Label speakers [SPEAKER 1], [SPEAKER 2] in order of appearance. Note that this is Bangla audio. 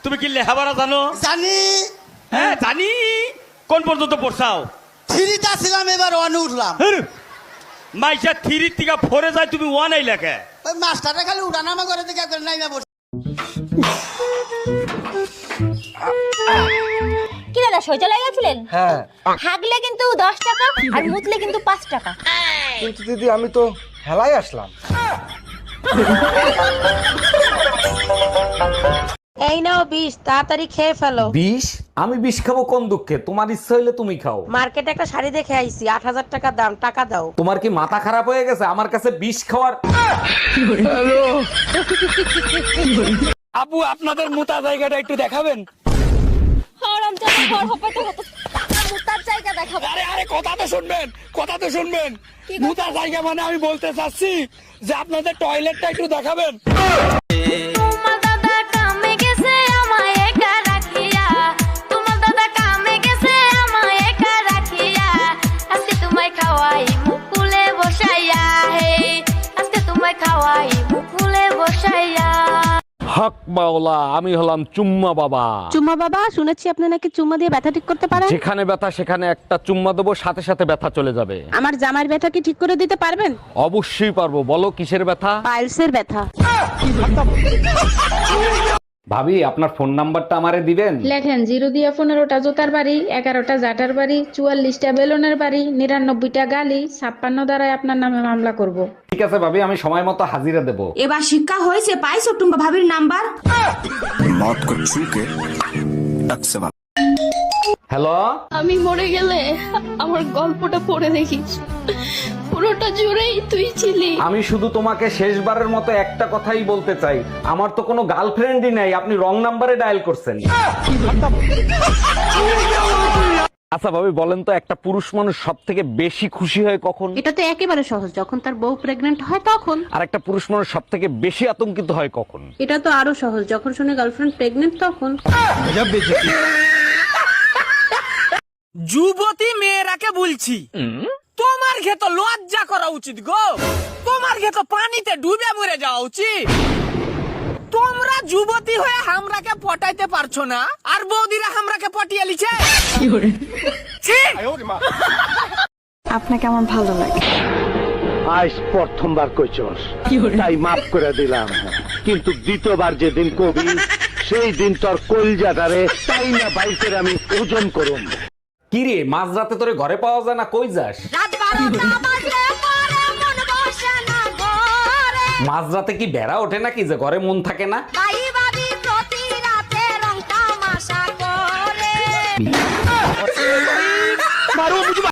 [SPEAKER 1] তুমি কি লেখাপড়া জানো?
[SPEAKER 2] জানি।
[SPEAKER 1] হ্যাঁ জানি। কোন পর্যন্ত পড়ছাও?
[SPEAKER 2] থ্রিটা ছিলাম, এবার ওয়ানে উঠলাম।
[SPEAKER 1] মাইশা থ্রি থেকে ফোরে যায়, তুমি ওয়ান আই লেখে।
[SPEAKER 2] ওই মাস্টারটা খালি উঠানামা করে দিকে একবার নাই না বসে।
[SPEAKER 3] কি দাদা শৌচালয় গেছিলেন?
[SPEAKER 4] হ্যাঁ
[SPEAKER 3] হাগলে কিন্তু 10 টাকা আর মুতলে কিন্তু 5 টাকা।
[SPEAKER 4] কিন্তু দিদি আমি তো হেলাই আসলাম।
[SPEAKER 5] এই নাও 20, তাড়াতাড়ি খেয়ে ফেলো।
[SPEAKER 6] বিষ? আমি বিষ খাবো কোন দুঃখে? তোমার ইচ্ছা হইলে তুমি খাও।
[SPEAKER 5] মার্কেটে একটা শাড়ি দেখে আইছি, 8000 টাকা দাম, টাকা দাও।
[SPEAKER 6] তোমার কি মাথা খারাপ হয়ে গেছে আমার কাছে বিষ খাওয়ার?
[SPEAKER 1] আপু আপনাদের মোটা জায়গাটা একটু দেখাবেন?
[SPEAKER 3] হারামজাদা ঘর হপাতে হতো। মুতার জায়গা দেখাবো।
[SPEAKER 1] আরে আরে কথা তো শুনবেন, কথা তো শুনবেন। মোটা জায়গা মানে আমি বলতে চাচ্ছি যে আপনাদের টয়লেটটা একটু দেখাবেন।
[SPEAKER 3] তোমার দাদা কামে গেছে আমায় একা রাখিয়া, তোমার দাদা কামে গেছে আমায় একা রাখিয়া, আজকে তোমায় খাওয়াই মুকুলে বসাইয়া, হে আজকে তোমায় খাওয়াই মুকুলে বসাইয়া।
[SPEAKER 6] হক মাওলা, আমি হলাম চুম্মা বাবা।
[SPEAKER 5] চুম্মা বাবা, শুনেছি আপনি নাকি চুম্মা দিয়ে ব্যথা ঠিক করতে পারেন।
[SPEAKER 6] যেখানে ব্যথা সেখানে একটা চুম্মা দেবো, সাথে সাথে ব্যথা চলে যাবে।
[SPEAKER 5] আমার জামার ব্যথা কি ঠিক করে দিতে পারবেন?
[SPEAKER 6] অবশ্যই পারবো। বলো কিসের ব্যথা?
[SPEAKER 5] পাইলসের ব্যথা।
[SPEAKER 6] ভাবি আপনার ফোন নাম্বারটা আমারে দিবেন?
[SPEAKER 7] লেখেন 0 দিয়া 15টা জোতার বাড়ি, 11টা জাটার বাড়ি, 44টা বেলুনের বাড়ি, 99টা গালি, 56 দ্বারাই আপনার নামে মামলা করব।
[SPEAKER 6] ঠিক আছে ভাবি, আমি সময় মতো হাজিরা দেবো।
[SPEAKER 8] এবার শিক্ষা হয়েছে, পাইছো টুম্বা ভাবির নাম্বার?
[SPEAKER 6] হ্যালো,
[SPEAKER 9] আমি মরে গেলে আমার গল্পটা পড়ে দেখিস, পুরোটা জুড়েই তুই ছিলি।
[SPEAKER 6] আমি শুধু তোমাকে শেষবারের মতো একটা কথাই বলতে চাই, আমার তো কোনো গার্লফ্রেন্ডই নাই, আপনি রং নাম্বারে ডায়াল করছেন। আচ্ছা ভাবি বলেন তো, একটা পুরুষ মানুষ সব থেকে বেশি খুশি হয় কখন?
[SPEAKER 5] এটা তো একেবারে সহজ, যখন তার বউ প্রেগন্যান্ট হয় তখন।
[SPEAKER 6] আর একটা পুরুষ মানুষ সব থেকে বেশি আতঙ্কিত হয় কখন?
[SPEAKER 5] এটা তো আরো সহজ, যখন শুনে গার্লফ্রেন্ড প্রেগন্যান্ট তখন।
[SPEAKER 1] যুবতী মেয়েরাকে বলছি, তোমার ক্ষেত লজ্জা করা উচিত গো, তোমার ক্ষেত পানিতে ডুবে মরে যাওয়া উচিত। তোমরা যুবতী হয়ে হামরাকে পটাইতে পারছো না, আর বৌদিরা হামরাকে পটিয়ে লিছে।
[SPEAKER 7] আপনাকে আমার ভালো লাগে।
[SPEAKER 10] আজ প্রথমবার কইছস, তাই মাফ করে দিলাম, কিন্তু দ্বিতীয়বার যেদিন কবি সেই দিন তোর কলজাটারে তাই না বাইরে আমি ওজন করুম।
[SPEAKER 6] কি রে, মাঝরাতে তোরে ঘরে পাওয়া যায় না, কই যাস?
[SPEAKER 3] রাত 12টা বাজলে পরে মন বসে না ঘরে,
[SPEAKER 6] মাঝরাতে কি বেড়া ওঠে নাকি যে ঘরে মন থাকে না?
[SPEAKER 3] ভাই ভাবি প্রতি রাতে রং তামাশা করে।